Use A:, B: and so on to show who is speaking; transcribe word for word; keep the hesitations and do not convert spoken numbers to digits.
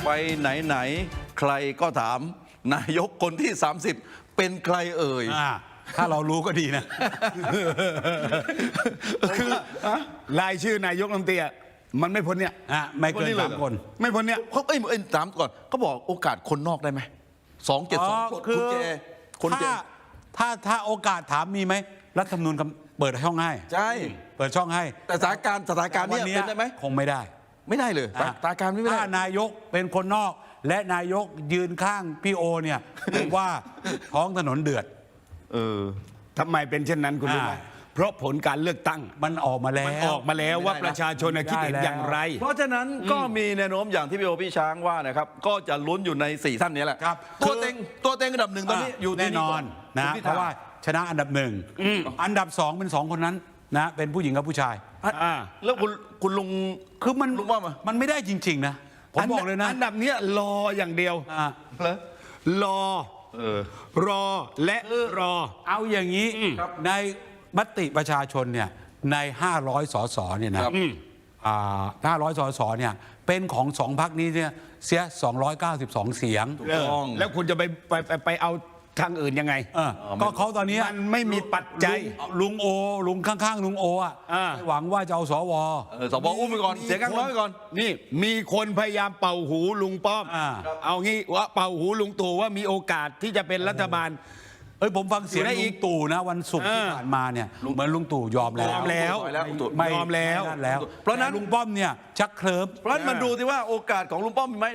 A: ไปไหนไหนใครก็ถามนายกคนที่สามสิบเป็นใครเอ่ย
B: ถ้าเรารู้ก็ดีนะ
C: คือรายชื่อนายกรัฐมนตรีมันไม่พ้นเนี่ย
B: อ่ะไม่เกินสามคน
C: ไม่พ้นเนี่ย
A: เขาเอ้ยเอ้ยถามก่อนเขาบอกโอกาสคนนอกได้ไหมสองเจ็ดสอง
B: คื
A: คุณเจคนเจ
B: ถ้าถ้าถ้าโอกาสถามมีไหมรัฐธรรมนูญเปิดช่องให้
A: ใช่
B: เปิดช่องให้
A: แต่สถานการณ์สถานการณ์
B: วั
A: เนี้เป็นได้ไหม
B: คงไม่ได้
A: ไม่ได้เลยสถานการณ์ไม่ได้
B: ถ้านายกเป็นคนนอกและนายกยืนข้างพี่โอเนี่ยผมว่าท้องถนนเดือด
A: เออ
C: ทำไมเป็นเช่นนั้นคุณรู้ไหม
B: อ่า
C: เพราะผลการเลือกตั้ง
B: มันออกมาแล้ว
C: มันออกมาแล้วว่าประชาชนคิดเห็นอย่างไร
A: เพราะฉะนั้นก็มีแนวโน้มอย่างที่พี่โอพี่ช้างว่านะครับก็จะลุ้นอยู่ในสี่ท่านนี้แหละ
B: ครับ
A: ตัวเต็งตัวเต็งอันดับหนึ่งตอนนี้อยู่ที่
B: แน่นอนนะ
A: คุณพิธ
B: เพราะว่าชนะอันดับหนึ่งอันดับสองเป็นสองคนนั้นนะเป็นผู้หญิงกับผู้ชาย
C: อ่า
A: แล้วคุณคุณลุง
B: คือมัน
A: ลุงว่ามา
B: มันไม่ได้จริง ๆ นะ ผมบอกเลยนะ
C: อันดับเนี้ยรออย่างเดียว
B: อ่ะ
A: เหรอ
C: รอ
A: เออ
C: รอและรอ
B: เอาอย่างนี้ในมติประชาชนเนี่ยในห้าร้อยสสเนี่ยนะครับ อ่าห้าร้อยสสเนี่ยเป็นของสองพรรคนี้เนี่ยเสียสองร้อยเก้าสิบสองเสียง
A: ถูกต้อง
C: แล้วคุณจะไปไปไปไปเอาทางอื่นยังไง
B: เออก็เขาตอนนี้
C: มันไม่มีปัจจัย
B: ลุงโอลุงข้างๆลุงโออ่ะ
C: อ่า
B: หวังว่าจะเอาสว
A: เออสบอุ้มไปก่อนเสียงข้างน้อยไปก่อน
C: นี่มีคนพยายามเป่าหูลุงป้อม
B: อ่า
C: เอางี้ว่าเป่าหูลุงตู่ว่ามีโอกาสที่จะเป็นรัฐบาล
B: เอ้ยผมฟังเสียง
C: ได้อี
B: ลุ
C: ก
B: งตู่นะวันศุกร์ที่
C: เออ
B: ผ่านมาเนี่ยเหมือนลุงตู่ยอมแล้ว
C: ยอมแล้ว
B: ไม่
C: ยอมแล้ว
B: ไม่นั่นแล้ว
A: เพราะฉะนั้น
B: แต่ลุงป้อมเนี่ยชักเคลิ้ม
A: เพราะฉะนั้นมาดูที่ว่าโอกาสของลุงป้อมมีไหม